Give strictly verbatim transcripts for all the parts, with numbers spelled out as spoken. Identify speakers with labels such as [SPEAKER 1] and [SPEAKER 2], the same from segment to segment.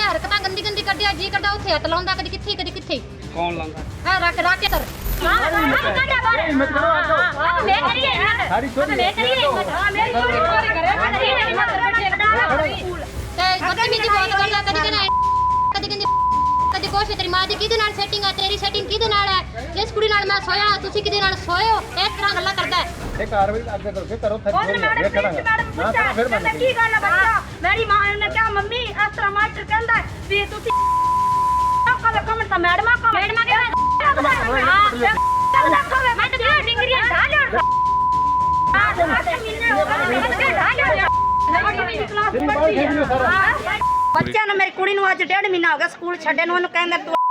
[SPEAKER 1] ਹਰਕਤਾਂ ਗੰਦੀ ਗੰਦੀ ਕਰਦਿਆ ਜੀ ਕਰਦਾ ਉੱਥੇ ਹੱਥ ਲਾਉਂਦਾ ਕਦੀ ਕਿੱਥੇ ਕਦੀ ਕਿੱਥੇ
[SPEAKER 2] ਕੌਣ ਲਾਉਂਦਾ
[SPEAKER 1] ਹੈ ਰੱਖ ਰੱਖ ਕੇ ਸਰ
[SPEAKER 3] ਹਿੰਮਤ ਕਰੋ ਆਜੋ
[SPEAKER 1] ਮੈਂ ਕਰੀਏ
[SPEAKER 3] ਸਾਰੀ ਛੋਟੀ
[SPEAKER 1] ਮੈਂ ਕਰੀਏ ਹਾਂ ਮੇਰੀ ਛੋਟੀ ਛੋਟੀ ਕਰੇ ਤੇ ਬਦਤਮੀਜ਼ੀ ਬਹੁਤ ਕਰਦਾ ਕਦੀ ਕਹਿੰਦਾ ਕਦੀ ਕਹਿੰਦੀ ਕਦੀ ਕੁਛ ਤੇਰੀ ਮਾਂ ਦੀ ਕਿਹਦੇ ਨਾਲ ਸੈਟਿੰਗ ਆ ਤੇਰੀ ਸੈਟਿੰਗ ਕਿਹਦੇ ਨਾਲ ਹੈ ਇਸ ਕੁੜੀ ਨਾਲ ਮੈਂ ਸੋਇਆ ਤੁਸੀਂ ਕਿਹਦੇ ਨਾਲ ਸੋਏ ਹੋ ਇਸ ਤਰ੍ਹਾਂ ਗੱਲਾਂ ਕਰਦਾ ਹੈ
[SPEAKER 3] ਇਹ ਕਾਰਵਾਈ ਅੱਗੇ ਕਰੋ ਕਰੋ ਥੱਲੇ ਇਹ ਕਰਾਂਗਾ ਨਾ ਕਰੋ ਫਿਰ ਮੈਂ
[SPEAKER 4] ਕੀ ਗੱਲ ਹੈ ਬੱਚਾ ਮੇਰੀ ਮਾਂ ਨੇ ਕਿਹਾ ਮੰਮੀ ਇਸ ਤਰ੍ਹਾਂ ਮਾਸਟਰ ਕਹਿੰਦਾ ਵੀ ਤੁਸੀਂ ਕੱਲ ਕਮੈਂਟ ਤਾਂ ਮੈਡਮਾਂ ਕੋ ਮੈਡਮਾਂ ਕੇ ਹਾਂ ਮੈਂ ਤਾਂ ਡਿਗਰੀਆਂ ਢਾ ਲਿਆ ਹਾਂ ਮਹੀਨੇ ਹੋ ਗਏ ਢਾ ਲਿਆ ਬੱਚਿਆਂ ਨੂੰ ਮੇਰੀ ਕੁੜੀ ਨੂੰ ਅੱਜ ਡੇਢ ਮਹੀਨਾ ਹੋ ਗਿਆ ਸਕੂਲ ਛੱਡੇ ਨੂੰ ਉਹਨੂੰ ਕਹਿੰਦਾ ਤੂੰ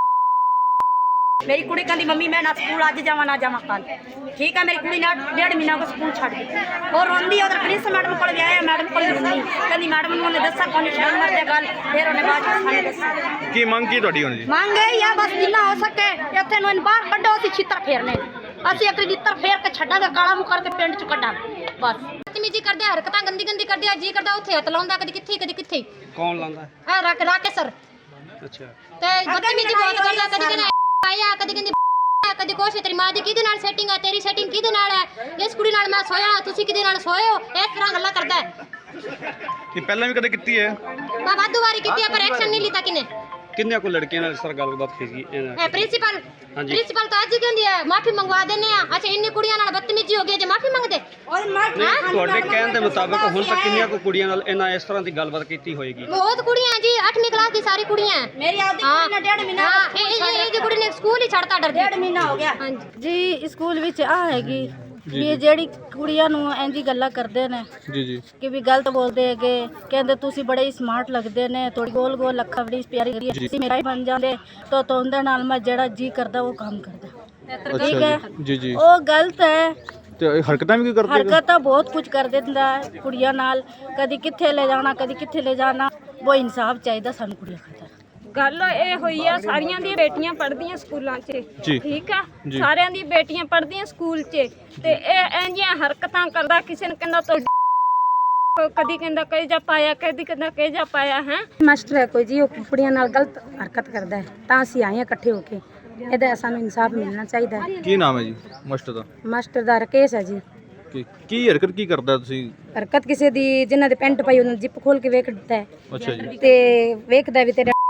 [SPEAKER 4] ਮੇਰੀ ਕੁੜੀ ਕਹਿੰਦੀ ਮੰਮੀ ਮੈਂ ਨਾ ਸਕੂਲ ਅੱਜ ਜਾਵਾਂ ਨਾ ਜਾਵਾਂ ਕੱਲ ਠੀਕ ਹੈ ਮੇਰੀ ਕੁੜੀ ਨੇ ਡੇਢ ਮਹੀਨਾ ਕੋ ਸਕੂਲ ਛੱਡ ਦਿੱਤੀ ਉਹ ਰੋਂਦੀ ਉਧਰ ਪ੍ਰਿੰਸ ਮੈਡਮ ਕੋਲ ਗਿਆ ਮੈਡਮ ਕੋਲ ਰੋਂਦੀ ਕਹਿੰਦੀ ਮੈਡਮ ਨੂੰ ਉਹਨੇ ਦੱਸਿਆ ਕੋਈ ਸ਼ਰਮ ਮਰਦੇ ਗੱਲ ਫਿਰ ਉਹਨੇ ਬਾਅਦ ਵਿੱਚ ਸਾਨੂੰ ਦੱਸਿਆ
[SPEAKER 5] ਕੀ ਮੰਗ ਕੀ ਤੁਹਾਡੀ ਹੁਣ ਜੀ
[SPEAKER 4] ਮੰਗ ਇਹ ਆ ਬਸ ਜਿੰਨਾ ਹੋ ਸਕੇ ਇੱਥੇ ਨੂੰ ਇਹਨੂੰ ਬਾਹਰ ਕੱਢੋ ਅਸੀਂ ਛਿੱਤਰ ਫੇਰਨੇ ਅਸੀਂ ਇੱਕ ਛਿੱਤਰ ਫੇਰ ਕੇ ਛੱਡਾਂਗੇ ਕਾਲਾ ਮੂੰਹ ਕਰਕੇ ਪਿੰਡ ਚ ਕੱਢਾਂਗੇ ਬਸ
[SPEAKER 1] ਬਦਤਮੀਜ਼ੀ ਕਰਦੇ ਹਰਕਤਾਂ ਗੰਦੀ ਗੰਦੀ ਕਰਦਿਆ ਜੀ ਕਰਦਾ ਉੱਥੇ ਹੱਥ ਲਾਉਂਦਾ ਕਦੀ ਕਿੱਥੇ ਕਦੀ ਕਿੱਥੇ
[SPEAKER 2] ਕੌਣ ਲਾਉਂਦਾ
[SPEAKER 1] ਹੈ ਰੱਖ ਰੱਖ ਕੇ ਸਰ
[SPEAKER 2] ਅੱਛਾ
[SPEAKER 1] ਤੇ ਬਦਤਮੀਜ਼ੀ ਬਹੁਤ ਕਰਦਾ ਕਦੀ ਕਹਿੰਦਾ ਆਇਆ ਕਦੀ ਕਹਿੰਦੀ ਕਦੀ ਕੁਛ ਤੇਰੀ ਮਾਂ ਦੀ ਕਿਹਦੇ ਨਾਲ ਸੈਟਿੰਗ ਆ ਤੇਰੀ ਸੈਟਿੰਗ ਕਿਹਦੇ ਨਾਲ ਹੈ ਇਸ ਕੁੜੀ ਨਾਲ ਮੈਂ ਸੋਇਆ ਤੁਸੀਂ ਕਿਹਦੇ ਨਾਲ ਸੋਏ ਹੋ ਇਸ ਤਰ੍ਹਾਂ ਗੱਲਾਂ ਕਰਦਾ ਹੈ
[SPEAKER 5] ਇਹ ਪਹਿਲਾਂ ਵੀ ਕਦੇ ਕੀਤੀ ਹੈ
[SPEAKER 1] ਮੈਂ ਵਾਧੂ ਵਾਰੀ ਕੀਤੀ ਹੈ ਪਰ ਐਕਸ਼ਨ ਨਹੀਂ ਲਿੱਤਾ ਕਿਨੇ
[SPEAKER 2] ਕਿੰਨੇ ਕੋ ਲੜਕੀਆਂ ਨਾਲ ਇਸ ਤਰ੍ਹਾਂ ਗੱਲਬਾਤ ਕੀਤੀ
[SPEAKER 1] ਹੈ ਪ੍ਰਿੰਸੀਪਲ
[SPEAKER 2] ਹਾਂਜੀ।
[SPEAKER 1] ਪ੍ਰਿੰਸੀਪਲ ਤਾਂ ਅੱਜ ਹੀ ਕਹਿੰਦੀ ਹੈ ਮਾਫੀ ਮੰਗਵਾ ਦਿੰਨੇ ਆ ਅੱਛਾ ਇੰਨੀ ਕੁੜੀਆਂ ਨਾਲ ਬਦਤਮੀਜ਼ੀ ਹੋ ਗਈ ਜੇ ਮਾਫੀ ਮੰਗਦੇ
[SPEAKER 2] ਤੁਹਾਡੇ ਕਹਿਣ ਦੇ ਮੁਤਾਬਕ ਹੁਣ ਤੱਕ ਕਿੰਨੀਆਂ ਕੋ ਕੁੜੀਆਂ ਨਾਲ ਇਹਨਾਂ ਇਸ ਤਰ੍ਹਾਂ ਦੀ ਗੱਲਬਾਤ ਕੀਤੀ ਹੋਏਗੀ
[SPEAKER 1] ਬਹੁਤ ਕੁੜੀਆਂ ਜੀ ਅੱਠਵੀਂ ਕਲਾਸ ਦੀ ਸਾਰੀ ਕੁੜੀਆਂ
[SPEAKER 4] ਮੇਰੀ ਆਪਦੀ ਕੁੜੀ ਨੇ ਡੇਢ ਮਹੀਨਾ
[SPEAKER 1] ਹਾਂ ਇਹ ਇਹ ਦੀ ਕੁੜੀ ਨੇ ਸਕੂਲ ਹੀ ਛੱਡਤਾ ਡਰਦੀ
[SPEAKER 4] ਡੇਢ ਮਹੀਨਾ ਹੋ ਗਿਆ
[SPEAKER 1] ਹਾਂਜੀ
[SPEAKER 6] ਜੀ ਸਕੂਲ ਵਿੱਚ ਆ ਹੈਗੀ ਵੀ ਇਹ ਜਿਹੜੀ ਕੁੜੀਆਂ ਨੂੰ ਇੰਜੀ ਗੱਲਾਂ ਕਰਦੇ ਨੇ
[SPEAKER 5] ਜੀ ਜੀ
[SPEAKER 6] ਕਿ ਵੀ ਗਲਤ ਬੋਲਦੇ ਹੈਗੇ ਕਹਿੰਦੇ ਤੁਸੀਂ ਬੜੇ ਹੀ ਸਮਾਰਟ ਲੱਗਦੇ ਨੇ ਥੋੜੀ ਗੋਲ ਗੋਲ ਅੱਖਾਂ ਬੜੀ ਪਿਆਰੀ ਕਰੀ ਤੁਸੀਂ ਮੇਰਾ ਹੀ ਬਣ ਜਾਂਦੇ ਤਾਂ ਤੋਂਦੇ ਨਾਲ ਮੈਂ ਜਿਹੜਾ ਜੀ ਕਰਦਾ ਉਹ ਕੰਮ ਕਰਦਾ ਠੀਕ ਹੈ
[SPEAKER 5] ਜੀ ਜੀ
[SPEAKER 6] ਉਹ ਗਲਤ ਹੈ
[SPEAKER 5] ਤੇ ਹਰਕਤਾਂ ਵੀ ਕੀ ਕਰਦੇ
[SPEAKER 6] ਹਰਕਤਾਂ ਬਹੁਤ ਕੁਝ ਕਰ ਦਿੰਦਾ ਹੈ ਕੁੜੀਆਂ ਨਾਲ ਕਦੀ ਕਿੱਥੇ ਲੈ ਜਾਣਾ ਕਦੀ ਕਿੱਥੇ ਲੈ ਜਾਣਾ ਉਹ ਇਨਸਾਫ ਚਾਹੀਦਾ ਸਾਨੂੰ ਕੁੜੀਆਂ ਖਾਤਰ
[SPEAKER 7] ਗੱਲ ਇਹ ਹੋਈ ਆ ਸਾਰੀਆਂ ਦੀਆਂ ਬੇਟੀਆਂ ਪੜ੍ਹਦੀਆਂ ਸਕੂਲਾਂ 'ਚ
[SPEAKER 5] ਜੀ।
[SPEAKER 7] ਠੀਕ ਆ ਸਾਰਿਆਂ ਦੀ ਬੇਟੀਆਂ ਪੜ੍ਹਦੀਆਂ ਸਕੂਲ 'ਚ ਤੇ ਇਹ ਇੰਜੀਆਂ ਹਰਕਤਾਂ ਕਰਦਾ ਕਿਸੇ ਨੂੰ ਕਹਿੰਦਾ ਤੋ ਕਦੀ ਕਹਿੰਦਾ ਕਹੇ ਜਾ ਪਾਇਆ ਕਦੀ ਕਹਿੰਦਾ ਕਹੇ ਜਾ ਪਾਇਆ ਹੈ
[SPEAKER 4] ਮਾਸਟਰ ਹੈ ਕੋਈ ਜੀ ਉਹ ਕੁੜੀਆਂ ਨਾਲ ਗਲਤ ਹਰਕਤ ਕਰਦਾ ਹੈ ਤਾਂ ਅਸੀਂ ਆਏ ਹਾਂ ਇਕੱਠੇ ਹੋ ਕੇ ਇਹਦਾ ਸਾਨੂੰ ਇਨਸਾਫ ਮਿਲਣਾ ਚਾਹੀਦਾ ਹੈ
[SPEAKER 5] ਕੀ ਨਾਮ ਹੈ ਜੀ ਮਾਸਟਰ ਦਾ
[SPEAKER 4] ਮਾਸਟਰ ਦਾ ਰਕੇਸ਼ ਹੈ ਜੀ
[SPEAKER 5] ਕੀ ਕੀ ਹਰਕਤ ਕੀ ਕਰਦਾ ਤੁਸੀਂ
[SPEAKER 4] ਹਰਕਤ ਕਿਸੇ ਦੀ ਜਿਨ੍ਹਾਂ ਦੇ ਪੈਂਟ ਪਾਈ ਉਹਨਾਂ ਜਿੱਪ ਖੋਲ ਕੇ ਵੇਖ ਦਿੱਤਾ ਹੈ
[SPEAKER 5] ਅੱਛਾ ਜੀ
[SPEAKER 4] ਤੇ ਵੇਖਦਾ ਵੀ ਤੇਰੇ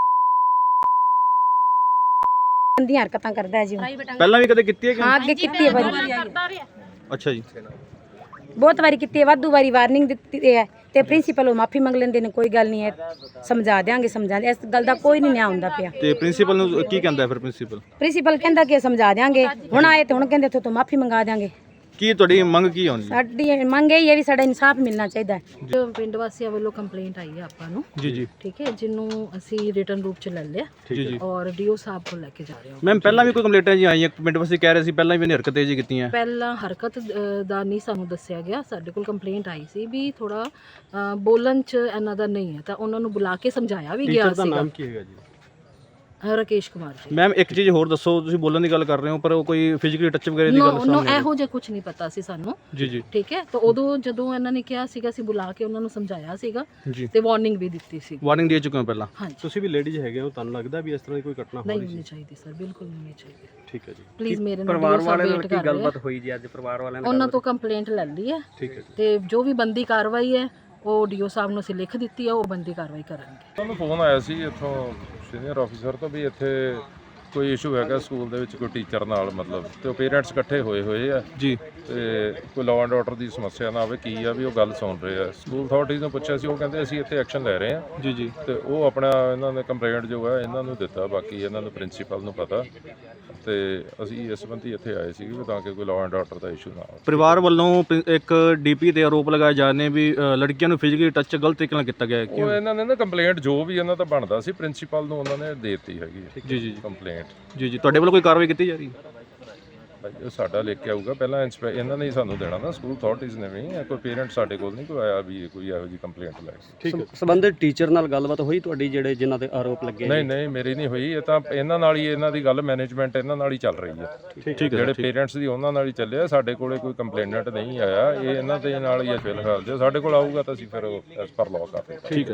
[SPEAKER 4] ਗੰਦੀਆਂ ਹਰਕਤਾਂ ਕਰਦਾ ਹੈ ਜੀ ਉਹ।
[SPEAKER 5] ਪਹਿਲਾਂ ਵੀ ਕਦੇ ਕੀਤੀ ਹੈ ਕਿ
[SPEAKER 4] ਹਾਂ ਅੱਗੇ ਕੀਤੀ ਹੈ ਵਾਰੀ
[SPEAKER 5] ਅੱਛਾ ਜੀ
[SPEAKER 4] ਬਹੁਤ ਵਾਰੀ ਕੀਤੀ ਹੈ ਵਾਧੂ ਵਾਰੀ ਵਾਰਨਿੰਗ ਦਿੱਤੀ ਹੈ ਤੇ ਪ੍ਰਿੰਸੀਪਲ ਉਹ ਮਾਫੀ ਮੰਗ ਲੈਂਦੇ ਨੇ ਕੋਈ ਗੱਲ ਨਹੀਂ ਹੈ ਸਮਝਾ ਦਿਆਂਗੇ ਸਮਝਾ ਦੇ ਇਸ ਗੱਲ ਦਾ ਕੋਈ ਨਹੀਂ ਨਿਆਂ ਹੁੰਦਾ ਪਿਆ
[SPEAKER 5] ਤੇ ਪ੍ਰਿੰਸੀਪਲ ਨੂੰ ਕੀ ਕਹਿੰਦਾ ਫਿਰ ਪ੍ਰਿੰਸੀਪਲ
[SPEAKER 4] ਪ੍ਰਿੰਸੀਪਲ ਕਹਿੰਦਾ ਕਿ ਸਮਝਾ ਦਿਆਂਗੇ ਹੁਣ ਆਏ ਤੇ ਹੁਣ ਕਹਿੰਦੇ ਇੱਥੋਂ ਤੋਂ ਮਾਫੀ ਮੰਗਾ ਦਿਆਂਗੇ
[SPEAKER 5] ਕੀ ਤੁਹਾਡੀ ਮੰਗ ਕੀ ਹੋਣੀ
[SPEAKER 4] ਸਾਡੀ ਮੰਗ ਇਹ ਹੈ ਵੀ ਸਾਡਾ ਇਨਸਾਫ ਮਿਲਣਾ ਚਾਹੀਦਾ ਹੈ
[SPEAKER 6] ਜੋ ਪਿੰਡ ਵਾਸੀਆਂ ਵੱਲੋਂ ਕੰਪਲੇਂਟ ਆਈ ਹੈ ਆਪਾਂ ਨੂੰ
[SPEAKER 5] ਜੀ ਜੀ
[SPEAKER 6] ਠੀਕ ਹੈ ਜਿਹਨੂੰ ਅਸੀਂ ਰਿਟਨ ਰੂਪ ਚ ਲੈ ਲਿਆ
[SPEAKER 5] ਜੀ ਜੀ
[SPEAKER 6] ਔਰ ਡੀਓ ਸਾਹਿਬ ਕੋਲ ਲੈ ਕੇ ਜਾ ਰਹੇ ਹਾਂ
[SPEAKER 5] ਮੈਮ ਪਹਿਲਾਂ ਵੀ ਕੋਈ ਕੰਪਲੇਂਟਾਂ ਜੀ ਆਈਆਂ ਪਿੰਡ ਵਾਸੀ ਕਹਿ ਰਹੇ ਸੀ ਪਹਿਲਾਂ ਵੀ ਇਹਨੇ ਹਰਕਤਾਂ ਜੀ ਕੀਤੀਆਂ
[SPEAKER 6] ਪਹਿਲਾਂ ਹਰਕਤ ਅ, ਦਾ ਨਹੀਂ ਸਾਨੂੰ ਦੱਸਿਆ ਗਿਆ ਸਾਡੇ ਕੋਲ ਕੰਪਲੇਂਟ ਆਈ ਸੀ ਵੀ ਥੋੜਾ ਬੋਲਣ ਚ ਇਹਨਾਂ ਦਾ ਨਹੀਂ ਹੈ ਤਾਂ ਉਹਨਾਂ ਨੂੰ ਬੁਲਾ ਕੇ ਸਮਝਾਇਆ ਵੀ ਗਿਆ ਸੀਗਾ
[SPEAKER 5] ਕੀ ਹੈਗਾ ਜੀ
[SPEAKER 6] ਰਕੇਸ਼ ਕੁਮਾਰ ਜੀ
[SPEAKER 5] ਮੈਮ ਇੱਕ ਚੀਜ਼ ਹੋਰ ਦੱਸੋ ਤੁਸੀਂ ਬੋਲਣ ਦੀ ਗੱਲ ਕਰ ਰਹੇ ਹੋ ਪਰ ਉਹ ਕੋਈ ਫਿਜ਼ੀਕਲੀ ਟੱਚ ਵਗੈਰਾ ਦੀ
[SPEAKER 6] ਨੋ
[SPEAKER 5] ਗੱਲ
[SPEAKER 6] ਨੋ
[SPEAKER 5] ਸਾਹਮਣੇ
[SPEAKER 6] ਇਹੋ ਜਿਹਾ ਕੁਝ ਨਹੀਂ ਪਤਾ ਸੀ ਸਾਨੂੰ
[SPEAKER 5] ਜੀ ਜੀ
[SPEAKER 6] ਠੀਕ ਹੈ ਤਾਂ ਉਦੋਂ ਜਦੋਂ ਇਹਨਾਂ ਨੇ ਕਿਹਾ ਸੀਗਾ ਅਸੀਂ ਬੁਲਾ ਕੇ ਉਹਨਾਂ ਨੂੰ ਸਮਝਾਇਆ ਸੀਗਾ
[SPEAKER 5] ਜੀ
[SPEAKER 6] ਤੇ ਵਾਰਨਿੰਗ ਵੀ ਦਿੱਤੀ ਸੀ
[SPEAKER 5] ਵਾਰਨਿੰਗ ਦੇ ਚੁੱਕੇ ਹੋ ਪਹਿਲਾਂ
[SPEAKER 6] ਹਾਂਜੀ
[SPEAKER 2] ਤੁਸੀਂ ਵੀ ਲੇਡੀਜ਼ ਹੈਗੇ ਹੋ ਤੁਹਾਨੂੰ ਲੱਗਦਾ ਵੀ ਇਸ ਤਰ੍ਹਾਂ ਦੀ ਕੋਈ ਘਟਨਾ
[SPEAKER 6] ਨਹੀਂ ਹੋਣੀ ਚਾਹੀਦੀ ਸਰ ਬਿਲਕੁਲ ਨਹੀਂ ਹੋਣੀ ਚਾਹੀਦੀ
[SPEAKER 2] ਠੀਕ ਹੈ ਜੀ
[SPEAKER 6] ਪਲੀਜ਼ ਮੇਰੇ ਨਾਲ
[SPEAKER 2] ਪਰਿਵਾਰ
[SPEAKER 6] ਵੀਡੀਓ
[SPEAKER 2] ਵਾਲਿਆਂ
[SPEAKER 6] ਵੇਟ
[SPEAKER 2] ਨਾਲ
[SPEAKER 6] ਕਰ
[SPEAKER 2] ਕੀ
[SPEAKER 6] ਰਹੇ ਆ।
[SPEAKER 2] ਗੱਲਬਾਤ ਹੋਈ ਜੀ ਅੱਜ ਪਰਿਵਾਰ ਵਾਲਿਆਂ ਨੇ
[SPEAKER 6] ਉਹਨਾਂ ਤੋਂ ਕੰਪਲੇਂਟ ਲੈ ਲਈ ਹੈ
[SPEAKER 2] ਠੀਕ ਹੈ ਜੀ
[SPEAKER 6] ਤੇ ਜੋ ਵੀ ਬੰਦੀ ਕਾਰਵਾਈ ਹੈ ਉਹ ਡੀਓ ਸਾਹਿਬ ਨੂੰ ਅਸੀਂ ਲਿਖ ਦਿੱਤੀ ਹੈ ਉਹ ਬੰਦੀ ਕਾਰਵਾਈ ਕਰਨਗੇ
[SPEAKER 8] ਤੁਹਾਨੂੰ ਫੋਨ ਆਇਆ ਸੀ ਇੱਥੋਂ ਸੀਨੀਅਰ ਆਫੀਸਰ ਤੋਂ ਵੀ ਇੱਥੇ ਕੋਈ ਇਸ਼ੂ ਹੈਗਾ ਸਕੂਲ ਦੇ ਵਿੱਚ ਕੋਈ ਟੀਚਰ ਨਾਲ ਮਤਲਬ ਤੇ ਉਹ ਪੇਰੈਂਟਸ ਇਕੱਠੇ ਹੋਏ ਹੋਏ ਆ
[SPEAKER 5] ਜੀ
[SPEAKER 8] ਤੇ ਕੋਈ ਲਾਅ ਐਂਡ ਆਰਡਰ ਦੀ ਸਮੱਸਿਆ ਨਾ ਆਵੇ ਕੀ ਆ ਵੀ ਉਹ ਗੱਲ ਸੁਣ ਰਹੇ ਆ ਸਕੂਲ ਅਥਾਰਟੀਜ਼ ਨੂੰ ਪੁੱਛਿਆ ਸੀ ਉਹ ਕਹਿੰਦੇ ਅਸੀਂ ਇੱਥੇ ਐਕਸ਼ਨ ਲੈ ਰਹੇ ਆ
[SPEAKER 5] ਜੀ ਜੀ
[SPEAKER 8] ਤੇ ਉਹ ਆਪਣਾ ਇਹਨਾਂ ਨੇ ਕੰਪਲੇਂਟ ਜੋ ਹੈ ਇਹਨਾਂ ਨੂੰ ਦਿੱਤਾ ਬਾਕੀ ਇਹਨਾਂ ਨੂੰ ਪ੍ਰਿੰਸੀਪਲ ਨੂੰ ਪਤਾ ਤੇ ਅਸੀਂ ਇਸ ਸੰਬੰਧੀ ਇੱਥੇ ਆਏ ਸੀ ਵੀ ਤਾਂ ਕਿ ਕੋਈ ਲਾਅ ਐਂਡ ਆਰਡਰ ਦਾ ਇਸ਼ੂ ਨਾ ਆਵੇ
[SPEAKER 5] ਪਰਿਵਾਰ ਵੱਲੋਂ ਪ੍ਰਿੰ- ਇੱਕ ਡੀਪੀ ਤੇ ਆਰੋਪ ਲਗਾਏ ਜਾ ਰਹੇ ਨੇ ਵੀ ਅ, ਲੜਕੀਆਂ ਨੂੰ ਫਿਜ਼ੀਕਲੀ ਟੱਚ ਗਲਤ ਤਰੀਕੇ ਨਾਲ ਕੀਤਾ ਗਿਆ ਹੈ
[SPEAKER 8] ਉਹ
[SPEAKER 5] ਕਿਉਂ
[SPEAKER 8] ਇਹਨਾਂ ਨੇ ਨਾ ਕੰਪਲੇਂਟ ਜੋ ਵੀ ਇਹਨਾਂ ਦਾ ਬਣਦਾ ਸੀ ਪ੍ਰਿੰਸੀਪਲ ਨੂੰ ਉਹਨਾਂ ਨੇ ਦੇ ਦਿੱਤੀ ਹੈਗੀ
[SPEAKER 5] ਜੀ ਜੀ
[SPEAKER 8] ਕੰਪਲੇਂਟ
[SPEAKER 5] ਜੀ ਜੀ ਤੁਹਾਡੇ ਵੱਲੋਂ ਕੋਈ ਕਾਰਵਾਈ ਕੀਤੀ ਜਾ ਰਹੀ ਹੈ
[SPEAKER 8] ਉਹ ਸਾਡਾ ਲਿਖ ਕੇ ਆਊਗਾ ਪਹਿਲਾਂ ਇੰਸਪੈ ਇਹਨਾਂ ਨੇ ਹੀ ਸਾਨੂੰ ਦੇਣਾ ਨਾ ਸਕੂਲ ਅਥਾਰਟੀਜ਼ ਨੇ ਵੀ ਕੋਈ ਪੇਰੈਂਟ ਸਾਡੇ ਕੋਲ ਨਹੀਂ ਕੋਈ ਆਇਆ ਵੀ ਕੋਈ ਇਹੋ ਜਿਹੀ ਕੰਪਲੇਂਟ ਲੈ ਕੇ
[SPEAKER 2] ਠੀਕ ਸੰਬੰਧਿਤ ਟੀਚਰ ਨਾਲ ਗੱਲਬਾਤ ਹੋਈ ਤੁਹਾਡੀ ਜਿਹੜੇ ਜਿਨ੍ਹਾਂ ਤੇ ਆਰੋਪ ਲੱਗੇ
[SPEAKER 8] ਨਹੀਂ ਨਹੀਂ ਮੇਰੀ ਨਹੀਂ ਹੋਈ ਇਹ ਤਾਂ ਇਹਨਾਂ ਨਾਲ ਹੀ ਇਹਨਾਂ ਦੀ ਗੱਲ ਮੈਨੇਜਮੈਂਟ ਇਹਨਾਂ ਨਾਲ ਹੀ ਚੱਲ ਰਹੀ ਹੈ
[SPEAKER 5] ਠੀਕ ਹੈ
[SPEAKER 8] ਜਿਹੜੇ ਪੇਰੈਂਟਸ ਦੀ ਉਹਨਾਂ ਨਾਲ ਹੀ ਚੱਲਿਆ ਸਾਡੇ ਕੋਲੇ ਕੋਈ ਕੰਪਲੇਨੈਂਟ ਨਹੀਂ ਆਇਆ ਇਹ ਇਹਨਾਂ ਦੇ ਨਾਲ ਹੀ ਹੈ ਫਿਲਹਾਲ ਜੇ ਸਾਡੇ ਕੋਲ ਆਊਗਾ ਤਾਂ ਅਸੀਂ ਫਿਰ ਐਸ ਪਰ ਲਾਅ ਕਰ ਰਹੇ
[SPEAKER 5] ਠੀਕ ਹੈ